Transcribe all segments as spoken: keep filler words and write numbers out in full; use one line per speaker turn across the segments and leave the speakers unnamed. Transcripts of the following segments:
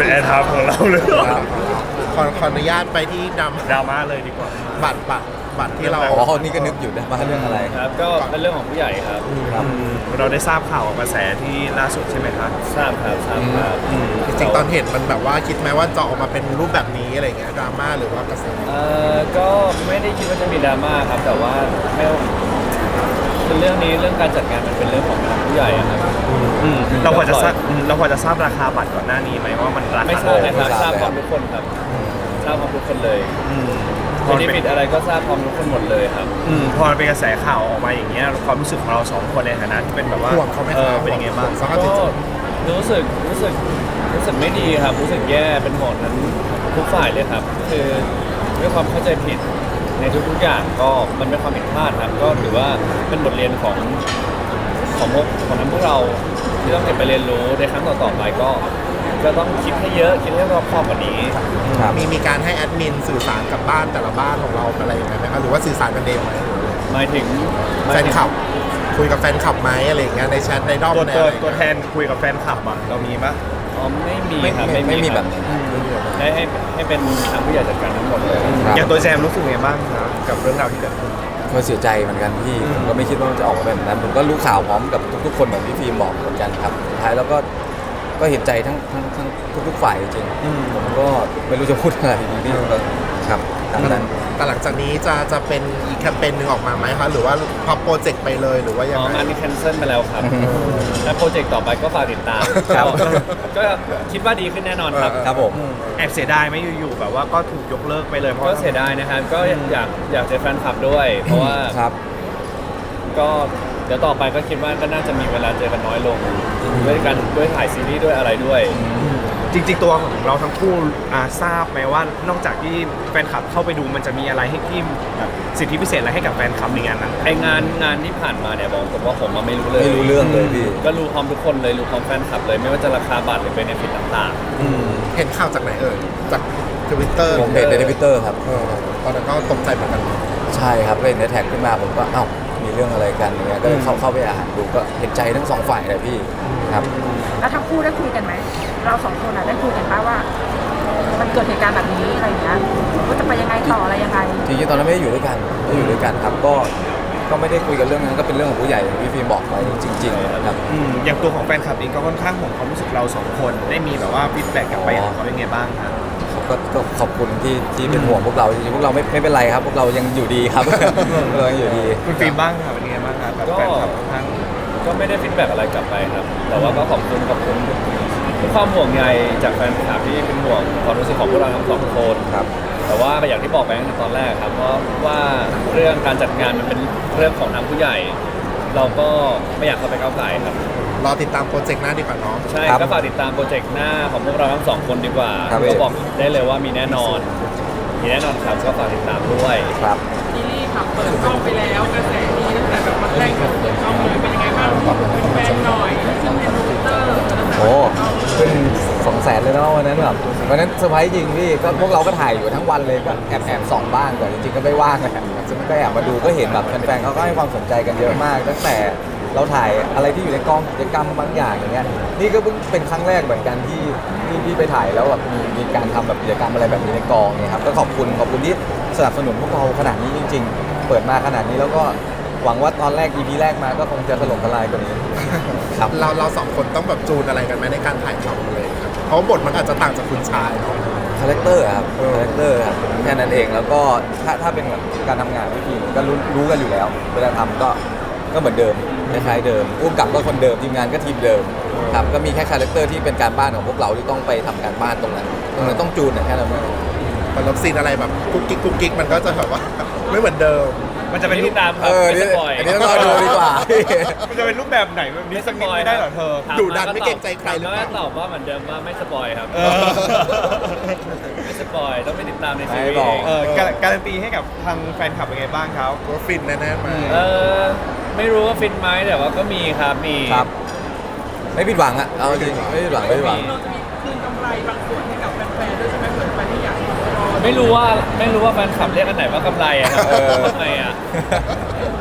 เป็นแอร์ไทม์ของเราเลย
ขอขออนุญาตไปที่ดำ
ดราม่าเลยดีกว่า
บัตรบัตรบัตรที่เรา
อ๋อนี่ก็นึกอยู่นะมาเรื่องอะไร
ครับก็เป็นเรื่องของผู้ใหญ่ครับ
ครับ
เราได้ทราบข่าวกระแสที่ล่าสุดใช่ไหมครับ
ทราบครับทราบครับ
จริงๆตอนเห็นมันแบบว่าคิดไหมว่าจะออกมาเป็นรูปแบบนี้อะไรเงี้ยดราม่าหรือว่ากระแส
เอ่อก็ไม่ได้คิดว่าจะมีดราม่าครับแต่ว่าไม่คือเรื่องนี้เรื่องการจัดงานมันเป็นเรื่องของทางผู้ใหญ่อะครับ
อืมเราพอจะทราบอืมเราพอจะทราบราคาบัตรก่อนหน้านี้ไหมว่ามันราคา
ไม่ทราบนะครับ
ไม่ท
ท
รา
รา
บบ เลย
พร้อมทุกคนครับทราบพร้อมทุกคนเลย
อืม
ไม่ได้ผิดอะไรก็ทราบพร้อมทุกคนหมดเลยครับ
อืมพอมันเป็นกระแสข่าวออกมาอย่างเงี้ยความรู้สึกของเราสองคนในฐานะที่เป็นแบบว่า
ห่วงเขาไหม
เอ
ค
อ
รับ
เป็นยังไงบ้าง
สภาพจิต
ก็
ใจ
รู้สึกรู้สึกรู้สึกไม่ดีครับ รู้สึกแย่เป็นห่วงนั้นทุกฝ่ายเลยครับ คือด้วยความเข้าใจผิดในทุกๆอย่างก็มันเป็นความผิดพลาดครับ ก็ถือว่าเป็นบทเรียนของของพวกของทั้งพวกเราที่ต้องเก็บไปเรียนรู้ในครั้งต่อๆไปก็ก็ต้องคิดให้เยอะคิดให้รอบคอบกว่านี้
ครับ
มีมีการให้แอดมินสื่อสารกับบ้านแต่ละบ้านของเราอะไรอย่างเงี้ยไหมครับหรือว่าสื่อสารกันเองไหม
หมายถึงห
แฟ
มาย
น
ถึง
คลับคุยกับแฟนคลับไหมอะไรอย่างเงี้ยในแชทในด้อม
ตัว
ใน
ตัว
อะไร
ตัวแทนคุยกับแฟนคลับอ่ะเรามีปะ
อ๋อไม่มี
ไม่
ครับ
ไม่ไม่มี
ค
แบ
รับบ
นั้น
ให้ให้ให้เป็นทางผู้ใหญ่จัดการทั้งหมดเลย
ครับ
อย่างตัวแจมรู้สึกไงบ้างครับกับเรื่องราวที่เกิดขึ้น
ก็เสียใจเหมือนกันพี่ผมก็ไม่คิดว่ามันจะออกมาแบบนั้นผมก็รู้ข่าวพร้อมกับทุกๆคนเหมือนพี่ฟิล์มบอกเหมือนกันครับสุดท้ายแล้วก็ก็เห็นใจทั้งทั้งทั้งทุกๆฝ่ายจริงๆผมก็ไม่รู้จะพูดอะไรดีพี่ก็ครับตามนั้น
แต่หลังจากนี้จะจะเป็นอีกแคมเปญหนึ่งออกมาไหมคะหรือว่าพับโปรเจกต์ไปเลยหรือว่ายัง
อ๋อ
ไง
งานนี้แคนเซิลไปแล้วครับ และโปรเจกต์ต่อไปก็ฝากติดตาม
ครับ
ก็ก็คิดว่าดีขึ้นแน่นอนครับ
ครับผม
แอบเสียดายไหมอยู่ๆแบบว่าก็ถูกยกเลิกไปเลยเพราะ
ก็เสียดายนะครับ ก็อยากอยากเจอแฟนคลับด้วย เพราะว่า
ครับ
ก็เดี๋ยวต่อไปก็คิดว่าก็น่าจะมีเวลาเจอกันน้อยลง ด้วยกันด้วยถ่ายซีรีส์ด้วยอะไรด้วย
จริงๆตัวของเราทั้งคู่อ่าทราบไหมว่านอกจากที่แฟนคลับเข้าไปดูมันจะมีอะไรให้ที่แบบสิทธิพิเศษอะไรให้กับแฟนคลับในงานนั้น
ไองานงานที่ผ่านมาเนี่ยบอกตรงว่าผมอะไม่รู้เลย
ไม่รู้เรื่องเลยพี่
ก็รู้พร้อมทุกคนเลยรู้พร้อมแฟนคลับเลยไม่ว่าจะราคาบัตรหรือเบเนฟิตต่าง
เห็นข่าวจากไหนเอ่ยจากทวิตเตอร์
ผมเห็นในทวิตเตอร์ครับ
ตอนนั้นก็ตกใจเหมือนกัน
ใช่ครับเห็นในแท็กขึ้นมาผมก็เอ้ามีเรื่องอะไรกันอย่างเงี้ยก็เลยเข้าเข้าไปอ่านดูก็เห็นใจทั้งสองฝ่ายเลยพี่ครับ
แล้วทั้งคู่ได้คุยกันไหม เราสองคนอะได้คุยกันป่ะว่า มันเกิดเหตุการณ์แบบนี้อะไรอย่างเงี้ยว่าจะไปยังไงต่ออะไรยังไง
จริงๆตอนนั้นไม่ได้อยู่ด้วยกันไม่ได้อยู่ด้วยกันครับก็ก็ไม่ได้คุยกันเรื่องนั้นก็เป็นเรื่องของผู้ใหญ่อย่างที่พี่ฟิล์มบอกไปจริงๆครับ
อืมอย่างตัวของแฟนคลับเองก็ค่อนข้างห่วงความรู้สึกเราสองคนได้มีแบบว่าฟีดแบ็กกลับไปของเขาเป็นไงบ้างครับ
ก็ก็ขอบคุณที่ที่เป็นห่วงพวกเราจริงๆพวกเราไม่ไม่เป็นไรครับ พวกเรายังอยู่ดีครับ พวกเรายังอยู่ดี
คุณฟิล์มบ้างครับเป็นไงบ้างครับแบบแฟนคลับค่อนข้าง
ๆ ก็ไม่ได้ฟีดแบ็กอะไรกลับไปครับ แต่ว่าก็ขอบคุณขอบคุณทุกความห่วงใยจากแฟนคลับที่เป็นห่วงความรู้สึกของพวกเราทั้งสองคน
ครับ
แต่ว่าอย่างที่บอกไปตั้งแต่ตอนแรกครับเพราะว่าเรื่องการจัดงานมันเป็นเรื่องของทางผู้ใหญ่ เราก็ไม่อยากเข้าไปก้าวไก่ครับ
รอติดตามโปรเจกต์หน้าดีกว่าเนาะ
ใช่
ครับ
ก็ฝากติดตามโปรเจกต์หน้าของพวกเราทั้งสองคนดีกว่า
ครับ
ก็บอกได้เลยว่ามีแน่นอน มีแน่นอนครับก็ฝากติดตามด้วย
ครับ
ซีรีส์ค่ะเปิดกล้องไปแล้วกระแสดีตั้งแต่แบบวันแรกที่เปิดกล้องเลยเป็นยังไงบ้างเป็นแฟนหน่อยขึ้นในทวิตเตอร์
โอ้ขึ้นสองแสนเลยเนาะวันนั้นแบบวันนั้นเซอร์ไพรส์จริงพี่ก็พวกเราก็ถ่ายอยู่ทั้งวันเลยก็แอบแอบส่องบ้างก่อนจริงๆก็ไม่ว่างนะก็แอบมาดูก็เห็นแบบแฟนๆเขาก็ให้ความสนใจกันเยอะมาก ตั้งแต่เราถ่ายอะไรที่อยู่ในกองกิจกรรมบางอย่างอย่างเงี้ยนี่ก็เพิ่งเป็นครั้งแรกเหมือนกันที่ที่ที่ไปถ่ายแล้วแบบมีมีการทำแบบกิจกรรมอะไรแบบนี้ในกองเนี่ยครับก็ขอบคุณขอบคุณที่สนับสนุนพวกเราขนาดนี้จริง ๆ เปิดมาขนาดนี้แล้วก็หวังว่าตอนแรก อี พี แรกมาก็คงจะถล่มทลายกว่านี้ ครับ
เราเราสองคนต้องแบบจูนอะไรกันไหมในการถ่ายทำเลยครับเพราะว่าบทมันอาจจะต่างจากคุณชายเนาะ
คาแรคเตอร์ครับคาแรคเตอร์ครับแค่นั้นเองแล้วก็ถ้าถ้าเป็นแบบการทำงานพี่พีก็รู้รู้กันอยู่แล้ว เวลาทำก็ก็เหมือนเดิมคล้ายๆเดิมผู้กำกับก็คนเดิมทีมงานก็ทีมเดิมครับก็มีแค่คาแรคเตอร์ที่เป็นการบ้านของพวกเราที่ต้องไปทำการบ้านตรงนั้นตรงนั้นต้องจูนนะแค่นั้นเอง
มันรับซีนอะไรแบบกุ๊กกิ๊กกุ๊กกิ๊กมันก็จะแบบว่า ไม่เหมือนเดิม
มันจะเป็นรู
ติ
ป
ดตามครั
เอบอ
ไม่สปอย
อันนี้ต้องรอดูดีกว่า
มันจะเป็นรูปแบบไหนแบบนี้สักนิดไม่ได้เหรอเธอ
ถาม
ดุดันไม่เกรงใจใครหรือเปล่า
ถมมก็ตอบว่าเหมือนเดิมว่าไม่สปอยครับ
เออ
ไม่สปอยต้องไปติดตามในซี
ไม่
รี
บอก
ส์
เออการการันตีให้กับทางแฟนคลับเป็นไงบ้างครับ
ว่าฟินแน่ๆไหมา
เออไม่รู้ว่าฟินไหมแต่ว่าก็มีครับมี
ครับ ไม่ผิดหวังอะเอาจริงไม่ผิดหวังไม่ผิดหวัง
เราจะมีคืนกำไรบางส่วนให้กับแฟนๆด้วยใช่ไหมเผื่อแฟนที่อยากรอ
ไม่รู้ว่าไม่รู้ว่าแฟนคลับเรียกอันไหนว่ากำไรอะครับ
เออ
ทำไมอะ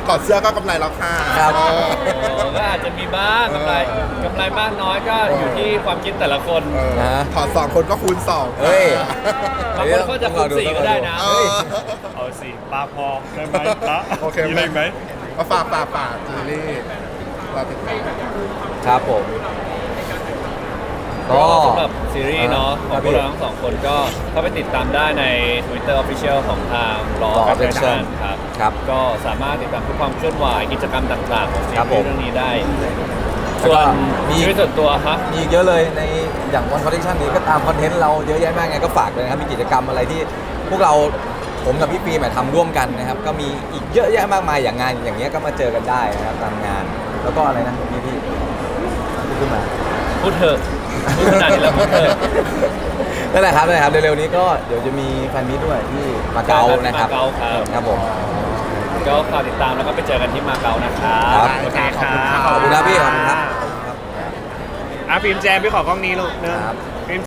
ถอดเสื้อก็กำไรแล้วค่ะ
ครับ
เออ
ก็อาจจะมีบ้างกำไร
เออ
กำไรมากน้อยก็อยู่ที่ความคิดแต่ละคน
เออ
นะ
ถอดสองคนก็คูณสอง
เฮ้ย
บางคนก็จะคูณสี่ก็ได้นะ
เออ
เอาสิปลาพอได้ไหมละ
โอเค
มีอะไรไหม
มาฝากฝากฝากซีรีส์เราติดตาม
ครับผม
ก็
ก็
สำหรับซีรีส์เนาะข
ครั
อง
บ
พวกเราทั้งสองคนก็เข้าไปติดตามได้ใน Twitter Official ของทาง Law
Law
Official
Official
ครับ
ครับ
ก็สามารถติดตามทุกความเคลื่อนไหวกิจกรรมต่างๆ ของซี
ครับผ
รี
ม
ส์เรื่องนี้ได้
แล้วก็
ส่วน
มี
ชีวิตส่วนตัวฮะ
มีอีกเยอะเลยในอย่างวันคอนเทนต์นี้ก็ตามคอนเทนต์เราเยอะแยะมากไงก็ฝากเลยนะครับมีกิจกรรมอะไรที่พวกเราผมกับพี่ปีใหม่ทำร่วมกันนะครับก็มีอีกเยอะแยะมากมายอย่างงานอย่างเงี้ยก็มาเจอกันได้นะครับตามงาน แล้วก็อะไรนะพี่พี่พี่ขึ้นมา
พูดเถอะพูดขนาดนี้แล้วพูดเถอะ
นั่นแหละครับนั่นแหละครับเร็วๆนี้ก็เดี๋ยวจะมีแฟนมิตด้วยที่มาเก๊านะครับ
มาเก๊าครับ
ครับผม
ก็ฝากติดตามแล้วก็ไปเจอกันที่มาเก๊านะครับ
ครับ
โอเคครับ
ขอบคุณครับพี่ขอบคุณครับ
อ่ะฟิล์มแจมพี่ขอกล้องนี้ลูกเนอะ
ครับ